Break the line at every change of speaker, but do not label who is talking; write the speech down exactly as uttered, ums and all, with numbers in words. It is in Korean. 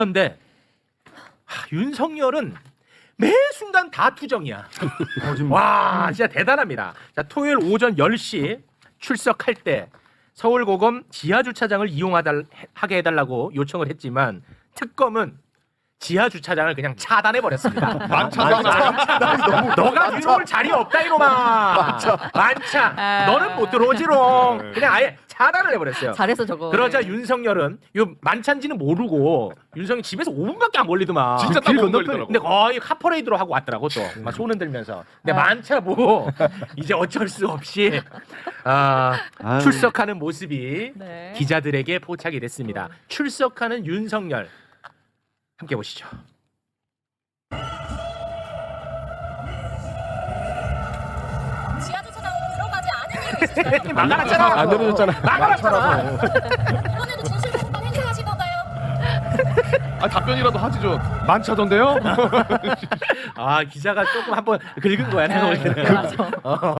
그런데 하, 윤석열은 매 순간 다 투정이야. 와 진짜 대단합니다. 자 토요일 오전 열 시 출석할 때 서울고검 지하주차장을 이용하게 해달라고 요청을 했지만 특검은 지하주차장을 그냥 차단해버렸습니다.
만차장
너가 들어올 자리 없다 이놈아. 만차.
아.
너는 못 들어오지롱. 그냥 아예 차단을 해버렸어요.
잘해서 저거.
그러자 윤석열은 요 만찬지는 모르고 윤석이 집에서 오 분밖에 안 걸리더만.
진짜 딱 못 걸리더라고.
근데 거의 카퍼레이드로 하고 왔더라고 또. 막 손 흔들면서. 근데 만차 보고 이제 어쩔 수 없이 아, 출석하는 모습이
네.
기자들에게 포착이 됐습니다. 출석하는 윤석열 함께 보시죠.
지하주차장 들어가지 않은 이유 있으신가요?
막아놨잖아.
안 내려졌잖아.
막아놨잖아.
이번에도 진실공방 행사하실 건가요?
아 답변이라도 하지 좀. 만차던데요?
아 기자가 조금 한번 긁은 거야 내가 볼 때는.
맞아.
어,